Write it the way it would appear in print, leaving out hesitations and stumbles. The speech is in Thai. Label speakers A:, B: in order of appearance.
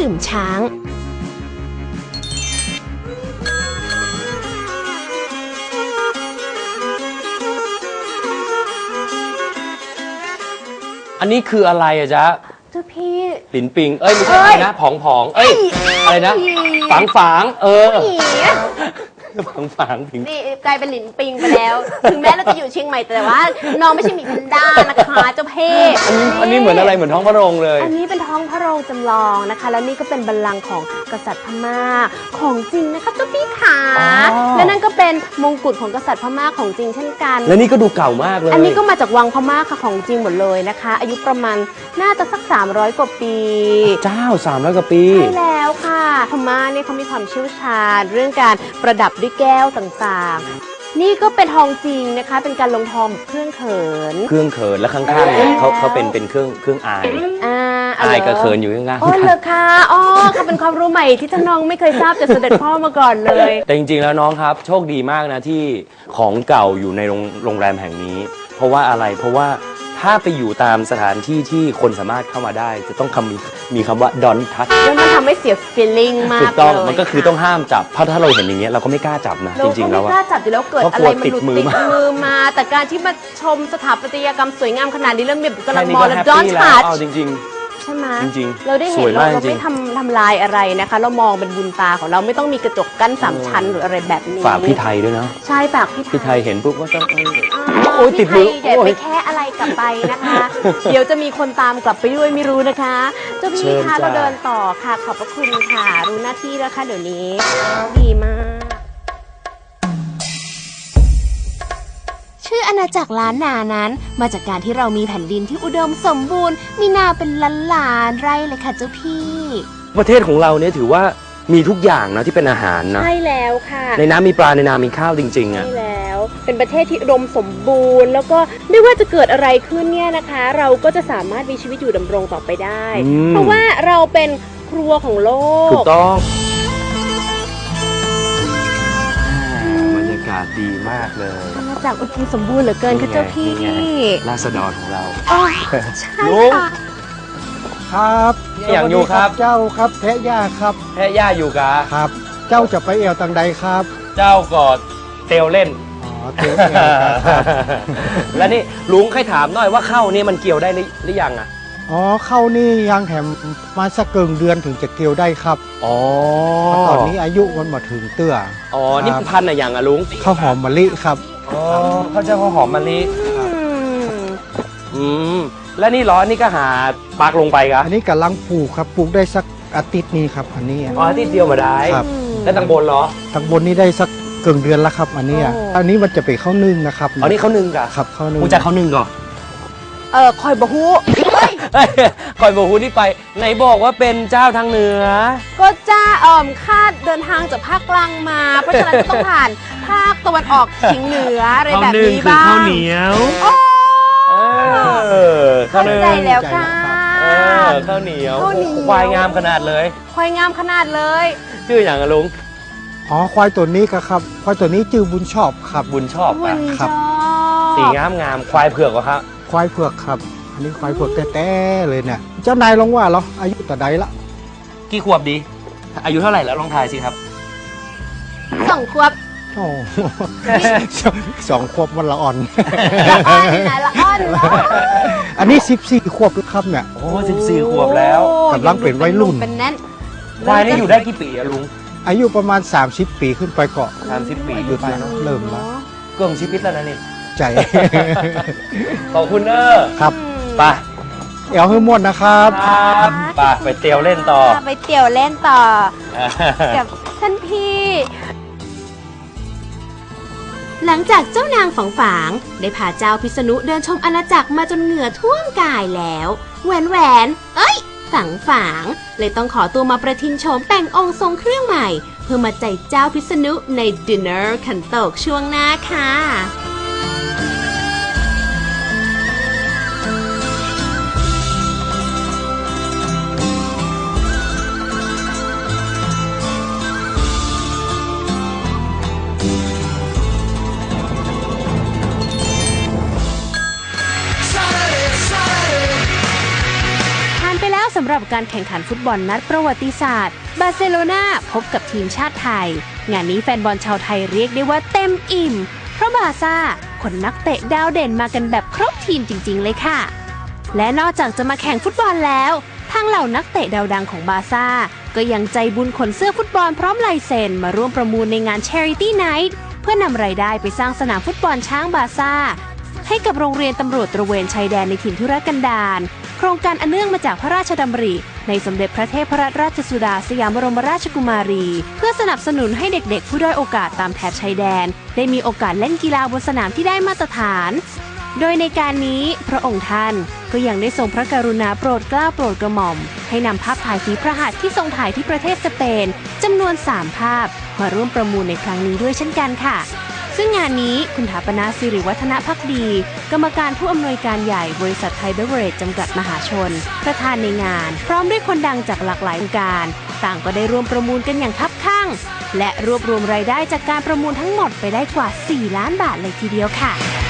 A: ดื่มช้าง
B: อันนี้คืออะไรอะจ๊ะ
A: เจ้าพี่
B: หลินปิงไม่ใช่อะไรนะผองอะไรนะฝางฝางผิง
A: นี่กลายเป็นหลินปิงไปแล้ว ถึงแม้เราจะอยู่เชียงใหม่แต่ว่าน้องไม่ใช่หมีแพนด้านะคะเจ้าเพ่
B: อันนี้เหมือนอะไรเหมือนท้องพระโรงเลย
A: อันนี้เป็นท้องพระโรงจำลองนะคะแล้วนี่ก็เป็นบัลลังก์ของกษัตริย์พม่าของจริงนะคะเจ้าพี่ขาและนั่นก็เป็นมงกุฎของกษัตริย์พม่าของจริงเช่นกัน
B: และนี่ก็ดูเก่ามากเลย
A: อันนี้ก็มาจากวังพม่าค่ะของจริงหมดเลยนะคะอายุประมาณน่าจะสัก300 กว่าปี
B: เจ้า300 กว่าปี
A: ใช่แล้วค่ะพม่าเนี่ยเขามีความเชี่ยวชาญเรื่องการประดับด้วยแก้วต่างๆนี่ก็เป็นทองจริงนะคะเป็นการลงทองเครื่องเขิน
B: แล้วข้างๆเนี่ยเขาเป็นเครื่องอายกับเขินอยู่ข้างๆ
A: โอ้เลยค่ะค่ะเป็นความรู้ใหม่ที่ท่านน้องไม่เคยทราบจากเสด็จพ่อมาก่อนเลย
B: แต่จริงๆแล้วน้องครับโชคดีมากนะที่ของเก่าอยู่ในโรงแรมแห่งนี้เพราะว่าอะไรเพราะว่าถ้าไปอยู่ตามสถานที่ที่คนสามารถเข้ามาได้จะต้องมีคำว่า don't touch
A: แล้วมันทำให้เสีย feeling มาก
B: ถูกต้องมันก็คือต้องห้ามจับเพราะถ้าเราเห็นอย่างเงี้ยเราก็ไม่กล้าจับนะจริงๆแล้ว
A: ไม่กล้าจับอยู่แล้วเกิดอะไรมันหลุดติดมือมาแต่การที่มาชมสถาปัตยกรรมสวยงามขนาดนี้เรื่องแบบกำลังมองแล้ว don't touch
B: จริง
A: ใช่ไหม
B: จริง
A: เราได้เห็นเราไม่ทำลายอะไรนะคะเรามองเป็นบุญตาของเราไม่ต้องมีกระจกกั้น3 ชั้นหรืออะไรแบบนี้
B: ฝากพี่ไทยด้วยนะ
A: ใช่ฝากพี่
B: ไทยเห็นปุ๊บก็ต้อง
A: โอ้ยติดมืออย่าไปแค่อะไรกลับไปนะคะเดี๋ยวจะมีคนตามกลับไปด้วยไม่รู้นะคะเจ้าพี่คะเราเดินต่อค่ะขอบพระคุณค่ะรู้หน้าที่แล้วค่ะเดี๋ยวนี้ดีมากชื่ออาณาจักรล้านนานั้นมาจากการที่เรามีแผ่นดินที่อุดมสมบูรณ์มีนาเป็นล้านไร่เลยค่ะเจ้าพี่
B: ประเทศของเราเนี่ยถือว่ามีทุกอย่างนะที่เป็นอาหารนะ
A: ใช่แล้วค่ะ
B: ในน้ำมีปลาในนามีข้าวจริงๆอ่ะ
A: ใช่แล้วเป็นประเทศที่อุดมสมบูรณ์แล้วก็ไม่ว่าจะเกิดอะไรขึ้นเนี่ยนะคะเราก็จะสามารถมีชีวิตอยู่ดำรงต่อไปได้เพราะว่าเราเป็นครัวของโลก
B: ถูกต้องบรรยากาศดีมากเลย
A: มาจากอุดมสมบูรณ์เหลือเกินค่ะเจ้าพี่
B: ราษฎรของเรา
A: ใช่ค่ะ
C: ครับ
B: อย่างอยู่ครับ
C: เจ้าครับแพะย่าครับ
B: แพะย่าอยู่กะ
C: ครับเจ้าจะไปเอวตังใดครับ
B: เจ้ากอดเตียวเล่น
C: เตียว
B: แล้วนี่ลุงเคยถามหน่อยว่าเข้านี่มันเกี่ยวได้หรือยังอ่ะ
C: เข้านี่ยังแถมมาสักเกินเดือนถึงจะเกี่ยวได้ครับตอนนี้อายุมันมาถึงเตื้อ
B: นี่พันธุ์อะไรอย่างอ่ะลุง
C: ข้าวหอมมะลิครับ
B: เขาจะข้าวหอมมะลิแล้วนี่ร้อนนี่ก็หาปากลงไปครับ
C: อันนี้กำลังปลูกครับปลูกได้สักอาทิตย์นี้ครับอันนี้
B: อาทิตย์เดียวมาได้
C: ครับ
B: แล้วทางบนเหรอ
C: ทางบนนี่ได้สักเกินเดือนแล้วครับอันนี้มันจะเป็นข้าวนึ่งนะครับ
B: นี่ข้าวนึ่งกะ
C: ครับข้าวนึ่ง
B: กูจะข้าวนึ่งก่อน
A: คอยบะฮู้
B: คอยบะฮู้ที่ไปไหนบอกว่าเป็นเจ้าทางเหนือ
A: ก็จ้าคาดเดินทางจากภาคกลางมาเพราะฉะนั้นก็ต้องผ่านภาคตะวันออกเฉียงเหนืออะไรแบบนี้บ้าง
B: ข้าวเหนียว
A: เข้าใจแล้วค่ะ
B: ข้าวเหนียวควายงามขนาดเลย
A: ควายงามขนาดเลย
B: ชื่ออย่างอะลุง
C: ควายตัวนี้ครับควายตัวนี้ชื่อบุญชอบครับ
B: บุญชอบ
A: ครับ
B: สีงามควายเผือกเหรอครับ
C: ควายเผือกครับอันนี้ควายเผือกแต้ๆเลยเนี่ยเจ้านายลองว่าเหรออายุแต่ใดละ
B: กี่ขวบดีอายุเท่าไหร่แล้วลองทายสิครับ
A: 2 ขวบ
C: 2 ขวบมันละอ่อน
A: ละอ่อน
C: อันนี้14 ขวบแล้วครับเนี่ย
B: 14 ขวบแล้ว
C: กำลังเป็นวัยรุ่น
A: เป็นแน่น
B: ควายนี่อยู่ได้กี่ปีอะลุง
C: อายุประมาณ30 ปีขึ้นไปเกาะ
B: 30 ปี
C: หยุดแล้วเริ่มแล้ว
B: เกือบชีวิตแล้วนะนี่
C: ใจ
B: ขอบคุณ
C: ครับ
B: ไป
C: เอวให้ม่วนนะครับ
B: ไปเตียวเล่นต่อ
A: กับท่านพี่หลังจากเจ้านางฝางได้พาเจ้าพิษณุเดินชมอาณาจักรมาจนเหงื่อท่วมกายแล้วแหวนฝางเลยต้องขอตัวมาประทินโฉมแต่งองค์ทรงเครื่องใหม่เพื่อมาใจเจ้าพิษณุในดินเนอร์ขันโตกช่วงหน้าค่ะสำหรับการแข่งขันฟุตบอลนัดประวัติศาสตร์บาร์เซโลนาพบกับทีมชาติไทยงานนี้แฟนบอลชาวไทยเรียกได้ว่าเต็มอิ่มเพราะบาร์ซ่าขนนักเตะดาวเด่นมากันแบบครบทีมจริงๆเลยค่ะและนอกจากจะมาแข่งฟุตบอลแล้วทางเหล่านักเตะดาวดังของบาร์ซ่าก็ยังใจบุญขนเสื้อฟุตบอลพร้อมลายเซ็นมาร่วมประมูลในงาน Charity Night เพื่อนำรายได้ไปสร้างสนามฟุตบอลช้างบาร์ซ่าให้กับโรงเรียนตำรวจตระเวนชายแดนในถิ่นทุรกันดารโครงการอันเนื่องมาจากพระราชดำริในสมเด็จพระเทพรัตนราชสุดาสยามบรมราชกุมารีเพื่อสนับสนุนให้เด็กๆผู้ด้อยโอกาสตามแถบชายแดนได้มีโอกาสเล่นกีฬาบนสนามที่ได้มาตรฐานโดยในการนี้พระองค์ท่านก็ยังได้ทรงพระกรุณาโปรดเกล้าโปรดกระหม่อมให้นำภาพถ่ายฝีพระหัตถ์ที่ทรงถ่ายที่ประเทศสเปนจำนวน3ภาพมาร่วมประมูลในครั้งนี้ด้วยเช่นกันค่ะซึ่งงานนี้คุณถาปนาสิริวัฒนภักดีกรรมการผู้อำนวยการใหญ่บริษัทไทยเบเวอเรจจำกัดมหาชนประธานในงานพร้อมด้วยคนดังจากหลากหลายวงการต่างก็ได้ร่วมประมูลกันอย่างคับคั่งและรวบรวมรายได้จากการประมูลทั้งหมดไปได้กว่า4 ล้านบาทเลยทีเดียวค่ะ